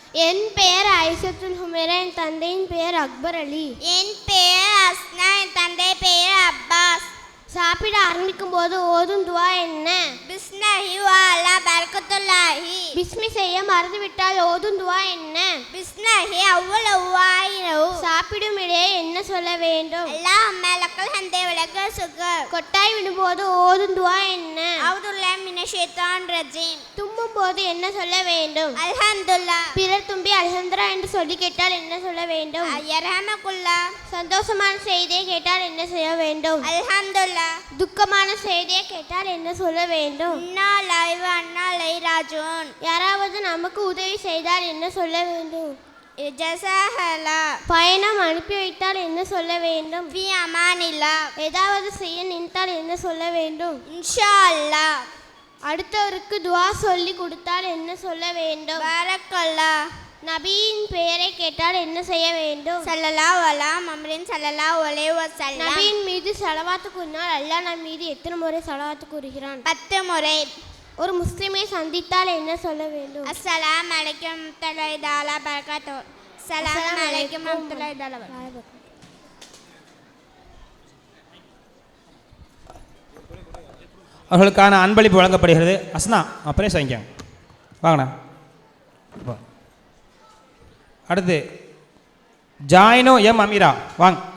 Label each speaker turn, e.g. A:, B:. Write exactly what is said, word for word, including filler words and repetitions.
A: என் பெயர் ஐசத்துல் ஹுமேரா, என் தந்தையின் பெயர் அக்பர் அலி.
B: என் பெயர் அஸ்னா, என் தந்தை பெயர் அப்பாஸ்.
A: சாப்பிட ஆரம்பிக்கும் போது ஓதும் துவா என்ன?
B: பிஸ்மில்லாஹி வ அலா பரக்கத்துல்லாஹி.
A: பிஸ்மி செய்ய மறந்துவிட்டால் ஓதும் துவா என்ன?
B: பிஸ்மில்லாஹி அவ்வள வாயினு.
A: சாப்பிடும் இடையே என்ன சொல்ல வேண்டும்?
B: அல்லாஹ் மலக்கல் ஹந்தே வலக சுகர்.
A: கொட்டாய் விடும்போது ஓதும் துவா என்ன?
B: அவுதுல்லாஹி மினஷ் ஷைத்தானிர் ரஜீம்.
A: தும்மும் போது என்ன சொல்ல வேண்டும்?
B: அல்ஹம்துலில்லாஹ்.
A: பிறர் தும்பி அல்ஹம்துலில்லாஹ் என்று சொல்லி கேட்டால் என்ன சொல்ல வேண்டும்?
B: யர்ஹமகுல்லாஹ்.
A: சந்தோஷமான செய்தியை கேட்டால் என்ன செய்ய வேண்டும்?
B: அல்ஹம்துலில்லாஹ்.
A: துக்கமான செய்தியை கேட்டால் என்ன சொல்ல வேண்டும்?
B: இன்னா லில்லாஹி வ இன்னா இலைஹி ராஜிஊன்.
A: யாராவது நமக்கு உதவி செய்தால் என்ன சொல்ல வேண்டும்?
B: ஜஸாஹல்லாஹ்.
A: பயணம் அனுப்பி வைத்தால் என்ன சொல்ல வேண்டும்?
B: ஃபி அமானில்லாஹ்.
A: ஏதாவது செய்ய நினைத்தால் என்ன சொல்ல வேண்டும்?
B: இன்ஷா அல்லாஹ்.
A: அடுத்தவருக்கு துவா சொல்லி கொடுத்தால் என்ன சொல்ல வேண்டும்?
B: பரக்கல்லாஹ்.
A: நபியின் பெயரை கேட்டால் என்ன செய்ய வேண்டும்?
B: ஸல்லல்லாஹு அலா முஹம்மதின் ஸல்லல்லாஹு அலைஹி வஸல்லம்.
A: நபியின் மீது ஸலவாத்து கூறினால் அல்லாஹ் நம் மீது எத்தனை முறை ஸலவாத்து கூறுகிறான்?
B: பத்து முறை.
A: ஒரு முஸ்லிமை சந்தித்தால் என்ன சொல்ல வேண்டும்?
B: அஸ்ஸலாமு அலைக்கும் வரஹ்மத்துல்லாஹி தஆலா பரகாத்துஹு. அஸ்ஸலாமு அலைக்கும் வரஹ்மத்துல்லாஹி தஆலா பரகாத்துஹு.
C: அவர்களுக்கான அன்பளிப்பு வழங்கப்படுகிறது. அஸ்னா அப்படியே வாங்கிக்கோங்க, வாங்கண்ணா. அடுத்து ஜாயினோ எம் அமீரா, வாங்க.